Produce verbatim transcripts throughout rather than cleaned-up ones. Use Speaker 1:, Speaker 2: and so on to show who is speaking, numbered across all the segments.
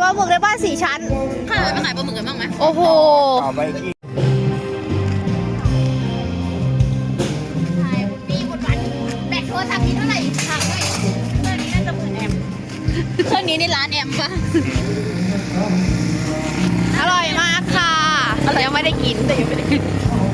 Speaker 1: ลาหมึกในบ้านสี่ชั้น
Speaker 2: ข้าวไปขายปลาหมึกกันบ้างไหม
Speaker 1: โอ้โห
Speaker 3: เอาไปกิน
Speaker 2: ขายปีหมดวันแบกโทรศัพท์นี้เท่าไหร่ถามหน่อยเครื่องนี้น่าจะหมื่นแอมเครื่องนี้นี่ร้านแอมปะ
Speaker 1: อร่อยมากค่ะยังไม่ได้กินแต่ยังไม่ได้กิน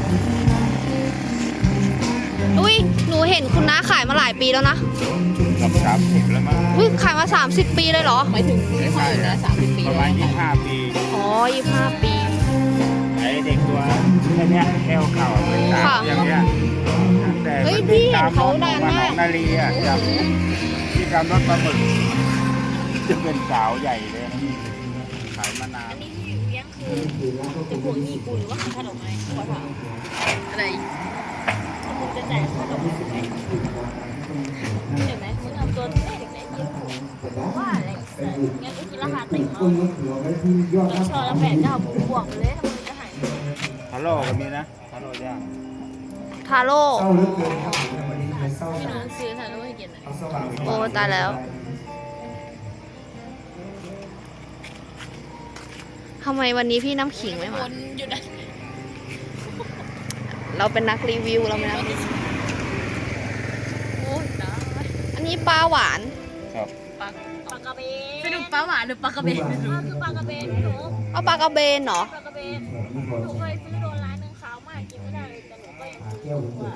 Speaker 1: อุ้ยหนูเห็นคุณน้าขายมาหลายปีแล้วนะ
Speaker 3: กับสามสิบแล้วมั้ง
Speaker 1: อุ้ยขายมาสามสิบปีเลยเหรอ
Speaker 2: หมายถึงที่เขาอยู่นะสามสิบปี
Speaker 3: ประมาณยี่สิบห้าปี
Speaker 1: อ๋อยี่สิบห้าปี
Speaker 3: ไอ้เด็กตัวแค่เนี้ยแค่เข่าเป็นสาวอย่างเงี้ยแต่
Speaker 1: เฮ้ย
Speaker 3: มัน
Speaker 1: พี่
Speaker 3: วิ่ง
Speaker 1: เห็
Speaker 3: ตาน มร
Speaker 1: เขา
Speaker 3: ถ
Speaker 1: นาน
Speaker 3: มาหน
Speaker 1: มา
Speaker 3: อก งนาลีอ่ะจากที่ตามรถปลาหมึกจะเป็นสาวใหญ่เลยขายมานาน
Speaker 2: อันนี้ที่เลี้ยงคือจะพวงหนี้กูหรือว่าขนมไม้ขอถามอะไรมึงจะจ่ายขนมไม้ไหมเห็นไหมมึงทำตัวแม่เด็กไหนเยี่ยมว่าอะไรสัตว์งั้นกูกินราคาติ่งเอาอีกชอละแปดเก้าบวกไปเลยทำไมจะหาย
Speaker 3: ฮัลโหลก็มีนะฮัลโหลย่าง
Speaker 1: ทาโร่
Speaker 2: พี่น้องซื้อทานแล้วให้กินอ่ะ
Speaker 1: โอ้ตายแล้วทำไมวันนี้พี่น้ำขิงไม่
Speaker 2: ค
Speaker 1: มา
Speaker 2: นอยู่นะ
Speaker 1: เราเป็นนักรีวิวเราไม่นัก
Speaker 2: โอ้ยตาย
Speaker 1: อันนี้ปลาหวาน
Speaker 3: ครับ
Speaker 2: ปลาปลากระเบนสรุปปลาหวานหรือปลากระเบนคือปลากระเบนหนู
Speaker 1: เอาปลากระเบนเหรอ
Speaker 2: ปลากระเบนหนูเคยซื้อโดนร้านนึงขาวมากกินไม่ได้เลยแต่หนูก็ยังซื้อว่า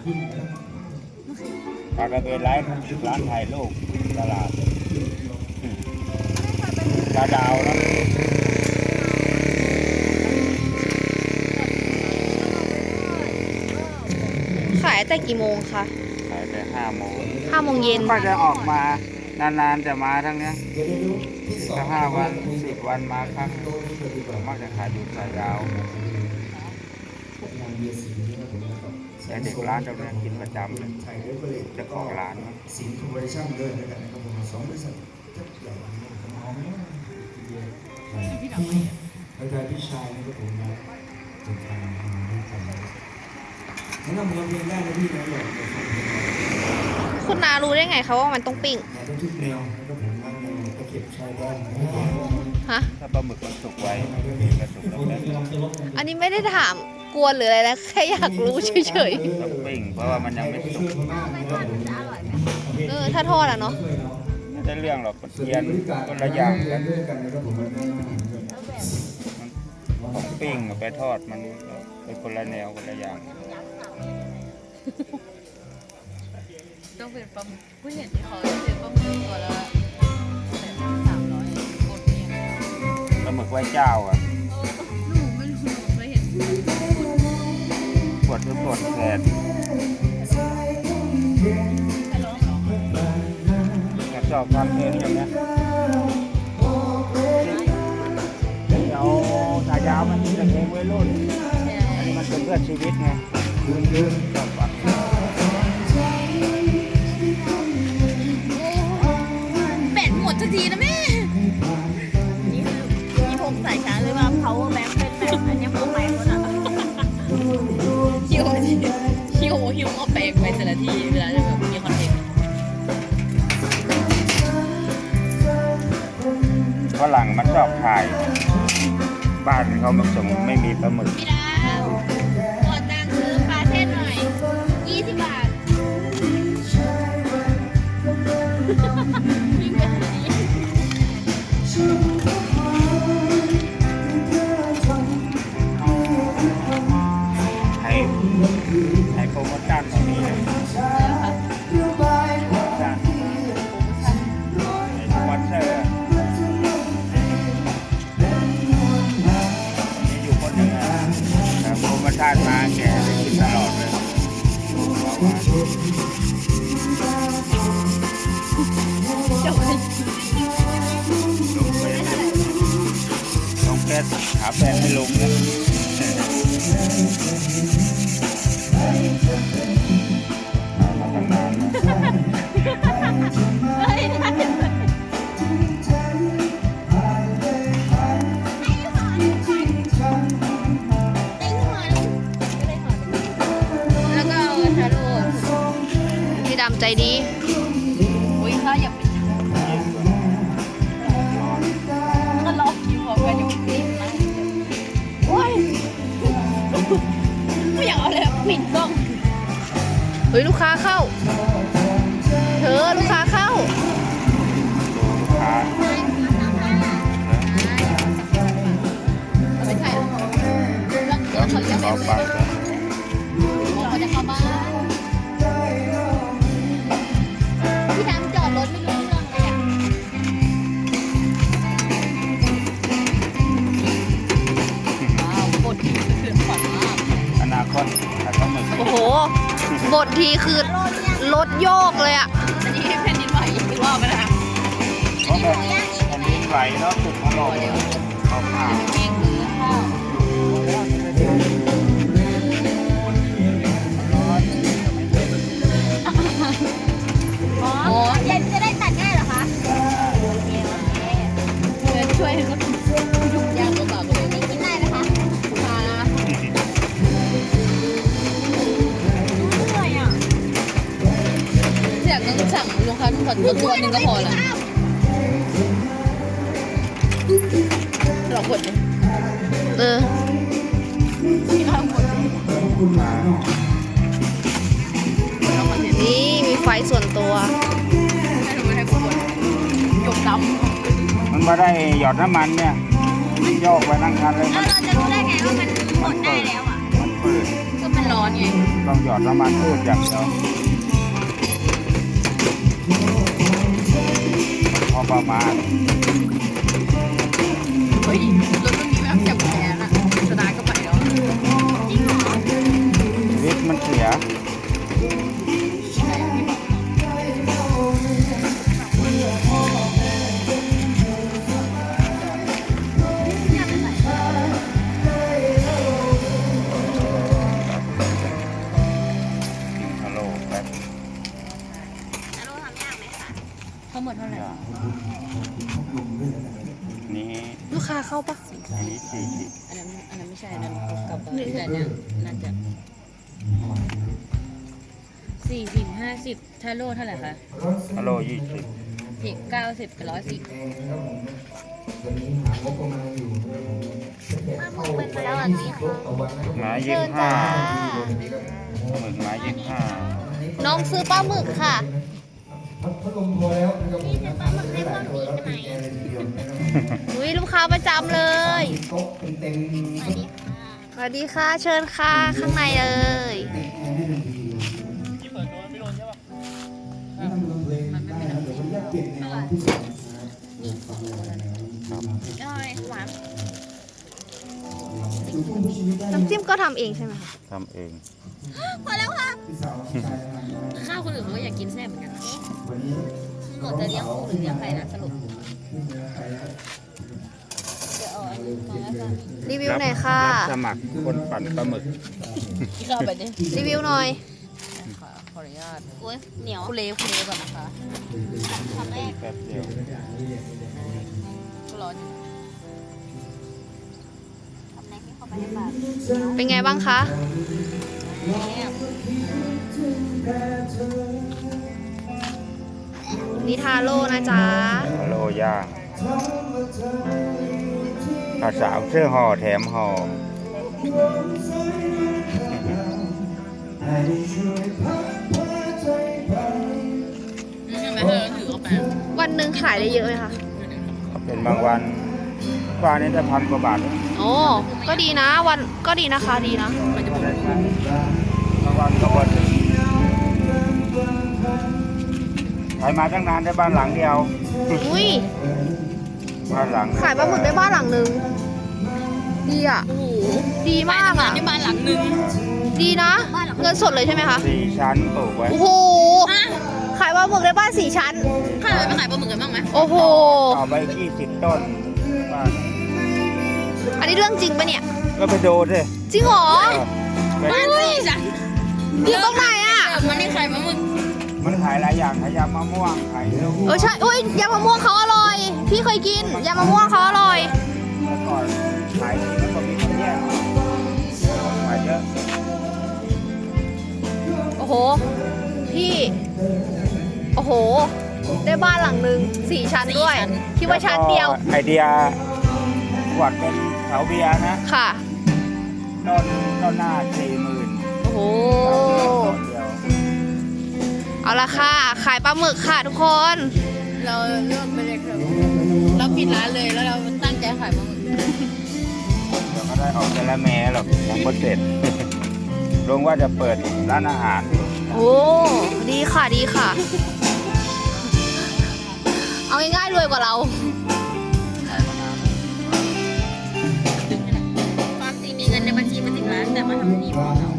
Speaker 3: ปลากระเบนร้านร้านถ่ายรูปตลาดปลาดาวนะ
Speaker 1: ขายแต่กี่โมงคะ
Speaker 3: ขายแต่ห้าโมง
Speaker 1: ห้าโมงเย็น
Speaker 3: ก็จะออกมานานๆจะมาทั้งเนี้ยถ้าห้าวันสิบวันมาครั้งมักจะขายอยู่สายดาวแต่เด็กร้านตรงนี้กินประจำเลยเจ้าของร้านนะ
Speaker 4: สินคอร์ปอเรชั่นด้วยนะครับนะครับผมสองบริษัทยักษ์ใหญ่ของน้องอาจารย์พี่ชายนะครับผมนะเป็นทางมาด้วยกันแนะนำเพลงเพลงได้นะพี่นะอยากจะฟังเพลง
Speaker 1: คุณนารู้ได้ไงคะว่ามันต้องปิ้ง
Speaker 4: แนวทุกแนวนะครับผมนั่งแนวตะเข็บชายแดน
Speaker 1: ฮะ
Speaker 3: ถ้าปลาหมึกมันสุกไว้ก็สุกแล้วแล้
Speaker 1: อันนี้ไม่ได้ถามกวนหรืออะไรนะ แค่อยากรู้เฉย
Speaker 3: ต้องปิ้งเพราะว่ามันยังไม่สุก
Speaker 1: ๆ เออ ถ้าทอดอะเนาะ
Speaker 3: ไม่ได้เรื่องหรอกมันเทียนคนละอย่างกันของปิ้งกับไปทอดมันเป็นคนละแนวคนละอย่าง
Speaker 2: ต้องเป็นปลาหมึกผู้เห็นที่เขาซื้อปลาหมึกตัวละสามร้อยกดเนี่ย
Speaker 3: ปลาหมึกไหว้เจ้าอ่ะ
Speaker 2: หนูไม่รู้ไม่เห็น
Speaker 3: ปวดก็ปวดแขน
Speaker 2: ไปร้องเหรอ
Speaker 3: อยากชอบความเพลงอย่างเนี้ยเดี๋ยวสายยาวมันจะเพลงวัยรุ่นอันนี้มันเป็นเพื่อชีวิตไงชอบฟัง
Speaker 2: แบตหมดทันทีนะแม่นี่คือมีพงสายชาร์จเลยว่า power bank เป็นแบบอันนี้พวกแบงค์แล้วนะฮิวฮิวฮิวเอาแบงค์ไปแต่ละทีเวลาจะแบบมีคอนเทนต์
Speaker 3: ฝรั่งมันชอบถ่าย บ้านเขามันส่งไม่มีปลาหมึก
Speaker 2: พี่ดาวกดตังค์ซื้อปลาเส้นหน่อยยี่สิบบาทยิ่งเป็นแบบนี้
Speaker 3: ให้ให้โปรโมชั่นตรงนี้เลยโปรโมชั่นให้สปอนเซอร์มีอยู่คนหนึ่งนะแต่โปรโมชั่นมาแกได้กินตลอดเลยลงเฟซหาแฟนให้ลงนะมาตั้งนานนะ
Speaker 2: เฮ้ยได้เลยแล้วก็เอาชาโล
Speaker 1: พี่ดำใจดี
Speaker 2: อุ้ยถ้าอย่าไปก็ล็อกอยู่
Speaker 1: เฮ้ยลูกค้าเข้า เธอลูกค้าเข้า
Speaker 3: ลูกค้า
Speaker 2: ไม่ใช่แล้วแล้วเขาเรียก
Speaker 3: ขอ
Speaker 2: อะไร
Speaker 3: ปัก
Speaker 2: เขาจะเข้าบ้านพี่ดำจอดรถไม่รู้เรื่องเลยอ่ะ ว้าวบทที่คือขวัญมาก
Speaker 3: อนาคตอาจจะหมึก
Speaker 1: โอ้โห บททีคือรถโยกเลยอะ
Speaker 2: อันนี้แผ่นดินไหวอีกรอบไหมนะคะ
Speaker 3: เพราะแบบแผ่นดินไหวแล้วตึกของเราเข้าข้าง
Speaker 2: แห้งหรือข้าวอ๋อจะจะได้ตัดง่ายเหรอคะโอเคโอเคเชิญช่วยเขายุ่งยากลำบากเลยไม่กินได้นะคะค่ะเหนื่อยอ่ะ
Speaker 1: อยากต้องสั่งลูกค้าทุกคนตัวตัวหนึ่งก็พอละเรากดเลยเออ
Speaker 4: คุณหมาเนาะ
Speaker 1: นี่มีไฟส่วนตัว
Speaker 3: มันมาได้หยอดน้ำมันเนี่ยโยกไปนั่งคันเลย
Speaker 2: แล้วเราจะรู้ได้ไงว่ามันหมดได้แล้วอ่ะ
Speaker 3: มันเปิด
Speaker 2: ก็มันร้อนไง
Speaker 3: ต้องหยอดน้ำมันพืชอย่างเดียวพอประมาณ
Speaker 2: เฮ้ยรถรุ่นนี้ไม่ต้องจับแขนอ่ะสตาร์ทก็ไปแล้วจริงเหรอ
Speaker 3: วิทย์มันเสีย ฮัลโหลแป๊บ
Speaker 2: แล้วรู้ทำยากไหมคะเขาหมดเท่าไหร่
Speaker 3: นี้
Speaker 1: ลูกค้าเข้าปะ
Speaker 3: อันนี้สี่สิบ
Speaker 2: อันนั้นอันนั้นไม่ใช่อันนั้นกับกับแต่เนี่ยน่าจะสี่สิบห้าสิบถ้าโลเท่าไหร่คะ
Speaker 3: ฮัลโหลยี่สิบ
Speaker 2: สิบเก้าสิบกับร้อยสิบ
Speaker 4: วันนี้หางบประมาณอยู่ด้วยผม
Speaker 2: เป็นแล้วอันนี้ค่ะ
Speaker 3: หมายี่สิบห้าหมึกหมายี่สิบห้า
Speaker 1: น้องซื้อปลาหมึกค่ะ
Speaker 4: พัดลมพอแล้วนะครับผมนะปลาหมึกให้พวกนี้ใช่ไหม
Speaker 1: อุ้ยลูกค้าประจำเลย
Speaker 4: โต๊ะเป็นเต็ม
Speaker 1: สวัสดีค่ะ เชิญค่ะ ข้างในเลย
Speaker 4: ติดแอร์ให้ทันทีที่เปิดโดนไม่โดนใช่ปะนี่ทำเพลงได้นะเดี๋ยวมันจะเปลี่ยนแนวที่สองนะครับฟังอะไรนะ
Speaker 2: อร่อยหวาน
Speaker 4: ดูทุ่งผู้ชีวิตได้
Speaker 1: น้ำจิ้มก็ทำเองใช่ไหมคะ
Speaker 3: ทำเอง
Speaker 2: พอแล้วค่ะ
Speaker 4: พี่สาวชายทำได้
Speaker 2: ข้าวคนอื่นเขาก็อยากกินแซ่บเหมือนกันนะ
Speaker 4: วันนี้
Speaker 2: หมดจะเลี้ยงกุ้งหรือเลี้ยงไก่นะสรุป
Speaker 4: ไม่เหลือใครแล้ว
Speaker 2: เดี๋ยวเอาอันนี้มาแล้วกัน
Speaker 1: รีวิวหน่อยค่ะ
Speaker 3: รับสมัครคนปั่นปลาหมึก
Speaker 2: ข้าวแบบนี้
Speaker 1: รีวิวหน่อย
Speaker 2: ค่ะขออนุญาตโอ้ยเหนียวคุเลคุเลก่อนนะคะทำแรก
Speaker 3: แป๊บเดียว
Speaker 2: ก็ร้อนอยู่ทำแรกให้เข้าไปในปาก
Speaker 1: เป็นไงบ้างคะ
Speaker 2: เนี่ย
Speaker 1: นิทาโร่นะจ๊ะ
Speaker 3: ฮัลโหลย่างภาษาวเสื้อห่อแถมห่อ
Speaker 2: นี่ใช่ไหมเธอถือเอาไป
Speaker 1: วันหนึ่งขายได้เยอะไหมคะ
Speaker 3: เป็นบางวันวันนี้จะพันกว่าบาท
Speaker 1: โอ้ ก็ดีนะ วัน ก็ดีนะคะ ดีนะ
Speaker 3: บางวันก็วันใครมาตั้งนานได้บ้านหลังเดียว
Speaker 1: อุ้ย
Speaker 3: บ้านหลัง
Speaker 1: ขายปลาหมึกได้บ้านหลังนึง ดีอ่ะ
Speaker 2: โอ้โห
Speaker 1: ดีมากอ่ะ
Speaker 2: ที่บ้านหลังนึง
Speaker 1: ดีนะ เงินสดเลยใช่ไหมคะ
Speaker 3: สี่ชั้นปลูกไว้
Speaker 1: โอ้โห ขายปลาหมึกได้บ้านสี่ชั้น
Speaker 2: ข้าเลยไปขายปลาหมึกกันบ้างไหม
Speaker 1: โอ้โห
Speaker 3: เอาไปยี่สิบต้นบ้าน
Speaker 1: อันนี้เรื่องจริงปะเนี่ย
Speaker 3: ก็ไปดูสิ
Speaker 1: จริงเหรอ
Speaker 3: ไป
Speaker 2: บ้านสี่จ้ะ
Speaker 1: อยู่ตรงไหนอ่ะ
Speaker 2: มันนี่ขายปลาหมึก
Speaker 3: มันขายหลายอย่างขายยำมะม่วงขายเนื้อ
Speaker 1: เออใช่อุ้ยยำมะม่วงเขาอร่อย พี่เคยกินยำมะม่วงเขาอร่อย
Speaker 3: เมื่อก่อนขายดีแล้วก็มีคนแย่งขายเยอะ
Speaker 1: โอ้โห พี่ โอ้โห ได้บ้านหลังหนึ่งสี่ชั้นด้วย คิดว่าชั้นเดียว
Speaker 3: แล้ก็ไอเดียขวดเป็นเสาเบียร์นะ
Speaker 1: ค่ะ
Speaker 3: ต้นต้นหน้าสี่หมื่น
Speaker 1: โอ้โห
Speaker 3: ต้นเดียว
Speaker 1: เอาละค่ะ ขายปลาหมึกค่ะทุกคน
Speaker 2: เราเริ่มไปเลยครับเราปิดร้านเลยแล้วเราตั้งใจขายปลาหมึก
Speaker 3: เดี๋ยวก็ได้ออกแต่ละแม่หรอกยังไม่เสร็จ ลงว่าจะเปิดร้านอาหารอยู่
Speaker 1: โอ้ดีค่ะดีค่ะ เอาง่ายๆรวยกว่าเรา
Speaker 2: ความจริงมีเงินในบัญชีมาถึงล้านแต่มาทำนี่พอเรา